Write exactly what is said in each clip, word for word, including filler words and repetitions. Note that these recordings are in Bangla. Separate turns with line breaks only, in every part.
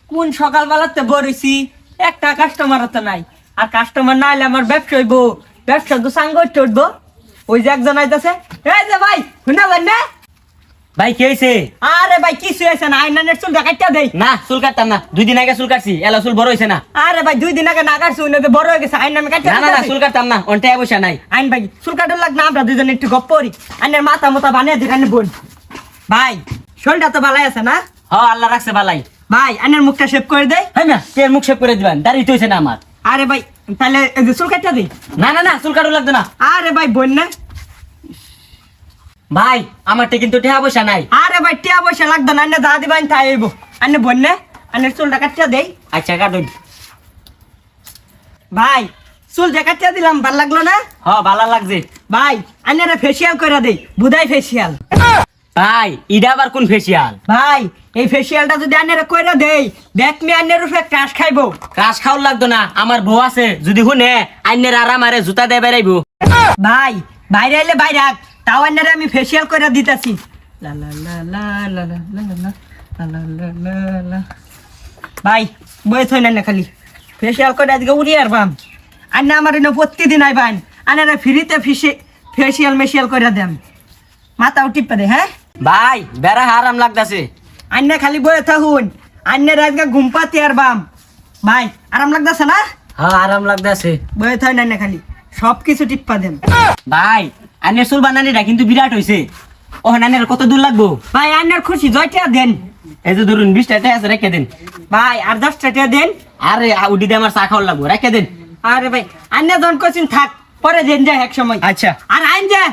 কোন সকালবেলাতে বরিছি একটা কাস্টমার তো নাই, আর কাস্টমার না এলে আমার ব্যবসা হইব, ব্যবসা তো সাঙ্গ উঠবো। ওই যে একজন আইতাছে, এই যে ভাই শুনালেন না?
ভাই কি হয়েছে?
আরে ভাই কিছু হয়েছে না, আইনানের চুল কাটটা দেই।
না চুল কাটতাম না, দুই দিন আগে চুল কাটছি, এলা চুল বড় হয়েছে না।
আরে ভাই দুই দিন আগে না কাটছি, উনি তো বড় হয়ে গেছে, আইন নামে কাটতে
না না না চুল কাটতাম না, অনটা বসে নাই।
আইন ভাই চুল কাটার লাগ না, আমরা দুজন একটু গপ্প করি। আইনের মাথা মতো বানিয়ে দিই আইনের বোন। ভাই শরীরটা তো ভালাই আছে না?
হ আল্লাহ রাখছে ভালাই।
ভাই আইনের মুখটা শেভ করে দেয়।
হ্যাঁ না তের মুখ শেভ করে দিবেন, দাঁড়িয়ে হয়েছে না আমার।
আরে ভাই তাহলে এই যে চুল কাটটা দিই।
না না না চুল কাটো লাগতো না।
আরে ভাই বোন না?
ভাই আমারটা কিন্তু টেহা পয়সা নাই।
আরে ভাই টিয়া পয়সা লাগতো না, আইনে দাদি বাইন তাই আইব। আইনে বোন না? আইনের চুলটা কাটটা দেই।
আচ্ছা কাটুন।
ভাই চুল যে কাটটা দিলাম ভাল লাগলো না?
হ ভালো লাগছে।
ভাই আইনের ফেসিয়াল করে দেই, বুধাই ফেসিয়াল।
ভাই ইডা আবার কোন ফেসিয়াল?
ভাই এই ফেসিয়ালটা যদি আইনের কইরা দেই, দেখ মি আইনের উপরে ক্রাশ খাইবো।
ক্রাশ খাওয়ার লাগতো না, আমার বউ আছে, যদি শুনে আইনের আরাম আরে জুতা দিয়ে বেড়াইবো।
ভাই বাইরে এলে বাইরে আগ, তাও আইনারে আমি ফেসিয়াল করে দিতেছি। লা লা লা লা লা লা লা লা লা লা লা লা লা। ভাই বয়ে থই না খালি ফেসিয়াল করে আজকে উড়ি আর বাম। আর না আমার এনে প্রতিদিন আইবান, আনারা ফ্রিতে ফিসে ফেসিয়াল মেশিয়াল করে দেন, মাথাও টিপা দে। হ্যাঁ
ভাই বেড়া আরাম লাগতাছে।
আন্না খালি বয়ে থাকুন, আন্নের আজকে ঘুম পাতি আর বাম। ভাই আরাম লাগতেছে না?
হ্যাঁ আরাম লাগতাছে।
বয়ে থই না খালি সব কিছু টিপ্পা দেন।
ভাই আইনের চুল বানানিটা কিন্তু বিরাট হইছে। ও নানের কত দূর লাগবো?
ভাই আন্নার খুশি জয়টা দেন।
এই যে ধরুন বিশ টাকা আছে, রেখে দেন।
ভাই আর দশ টাকা দেন।
আরে উডি দিয়ে আমার চা খাওয়ার লাগবো, রেখে দেন।
আরে ভাই আন্না জন কোচিন থাক, পরে দেন যায় এক সময়।
আচ্ছা
আর আইন যা।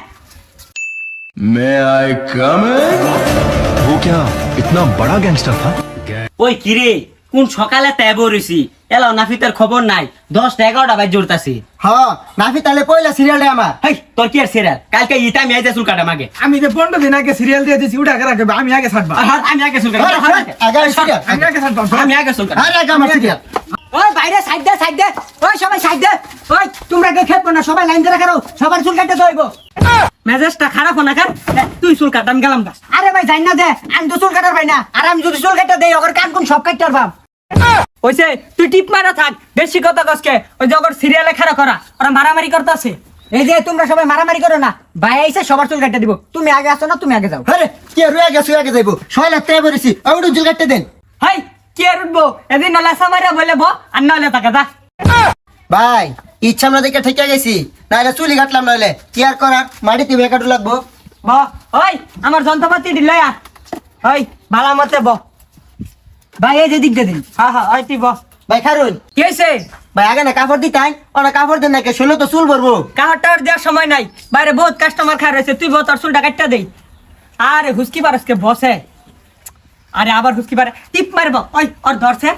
May I come in?
वो क्या इतना बड़ा गैंगस्टर था?
ওই কিরে কোন সকালে ত্যাব রইছি, এলাও নাফিতের খবর নাই। দশটা এগারোটা বাজ জোরতাছি।
হ্যাঁ নাফি তাহলে পয়লা সিরিয়ালটা আমার।
হেই তোর কি আর সিরিয়াল? কালকে ইটা আমি আইতে চুল কাটা মাগে।
আমি যে পনেরো দিন আগে সিরিয়াল দিয়ে দিয়েছি ওটা আগে রাখবে, আমি আগে ছাড়বা।
আর হাত আমি আগে চুল কাটা।
আগে সিরিয়াল
আমি আগে চুল কাটা। আমি আগে চুল কাটা।
আরে আগে আমার সিরিয়াল।
ওই বাইরে সাইড দে, সাইড দে। ওই সবাই সাইড দে। ওই তোমরা কে খেপো না, সবাই লাইন ধরে রাখো, সবার চুল কাটতে দইবো। মেজাজটা খারাপ না কার? তুই চুল কাট, আমি গেলাম গা। আরে ভাই যাই না দে, আমি তো চুল কাটার ভাই না। আর আমি যদি চুল কাটতে দেই ওর কান কোন সব কাটতে পারবাম। ওইছে তুই টিপ মারা থাক, বেশি কথা কসকে। ওই যে ওর সিরিয়ালে খাড়া করা, ওরা মারামারি করতেছে। এই যে তোমরা সবাই মারামারি করো না, ভাই আইছে সবার চুল কাটতে দিব। তুমি আগে আসো না, তুমি আগে যাও।
আরে কে রয়ে গেছে আগে যাইবো, ছয় লাখ টাকা বলেছি ওটা চুল কাটতে দেন।
হাই কি আর উঠবো, এদিন নালে সামারিয়া বলে বো, আর নাহলে তাকে যা।
ভাই ইচ্ছা আমরা দেখে ঠেকে গেছি, নাহলে চুলি কাটলাম, নাহলে কি আর করার, মাটিতে বেকাটু লাগবো।
ব ওই আমার যন্ত্রপাতি দিল ওই ভালো মতে ব। ভাই এই যে দিক দিন। হ্যাঁ হ্যাঁ ওই তুই ব।
ভাই খারুন
কি হয়েছে?
ভাই আগে না কাপড় দিতাই, ওরা কাপড় দেন না কে, শুনলো তো চুল ভরবো।
কাহার টাওয়ার দেওয়ার সময় নাই, বাইরে বহুত কাস্টমার খায় রয়েছে, তুই বল তোর চুলটা কাটটা দেই। আরে হুসকি পারসকে বসে, আরে আবার হুসকি পারে, টিপ মারব। ওই ওর ধরছে,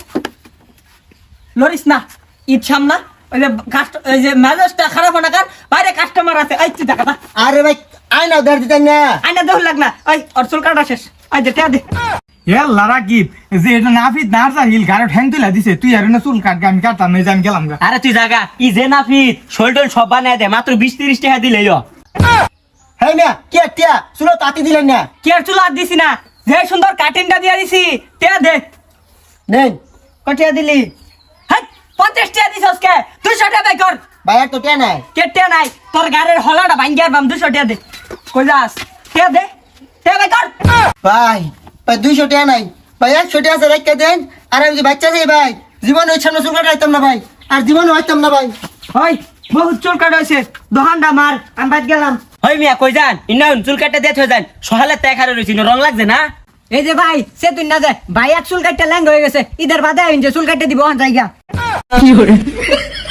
লরিস না, ঈদ সামনা। ওই যে কাস্ট ওই যে মেজাজটা খারাপ না কার, বাইরে কাস্টমার আছে। এই তুই দেখা।
আরে ভাই আয়না ধর দিতেন না।
আইনা দেহ লাগ না, ওই ওর চুল কাটা শেষ। ওই যে টেয়া দে।
লারা কি যে এটা নাফিত নার্সা হিল গাড়ি ঠ্যাং তুলা দিছে, তুই আর না চুল কাটগে, আমি কাটতাম না, আমি গেলাম গা।
আরে তুই জাগা ই যে নাফিত শোল্ডল সব বানায় দে, মাত্র বিশ তিরিশ টাকা দিলেই।
হ্যাঁ না কি টিয়া শুনো তাতি দিলেন না।
কি আর চুল আর দিছি না, যে সুন্দর কাটিংটা দিয়ে দিছি। টেয়া দে।
নেন
কটিয়া দিলি? হ্যাঁ পঞ্চাশ টাকা দিছ আজকে, দুশো টাকা বাই কর।
ভাই আর তো টিয়া নাই।
কেটে নাই তোর গাড়ির হলাটা ভাঙ্গিয়ার বাম, দুশো টাকা দে। কই যাস? টেয়া দে, টেয়া বাই কর।
ভাই ভাই দুইশো টাকা নাই ভাই, একশো টাকা আছে রেখে দেন। আর আমি যে বাচ্চা যাই ভাই, জীবনে ওই সামনে চুল কাটা হইতাম না ভাই, আর জীবনে হইতাম না ভাই।
ওই বহুত চুল কাটা হয়েছে, দোকানটা মার, আমি বাদ গেলাম।
হই মিয়া কই যান? ইন্না চুল কাটতে দিয়ে থই যান, সহালে ত্যাগ হারে রইছি, রং লাগছে না।
এই যে ভাই সে তুই না যায়, ভাই এক চুল কাটতে ল্যাং হয়ে গেছে, ঈদের বাদে আইন যে চুল কাটতে দিব জায়গা।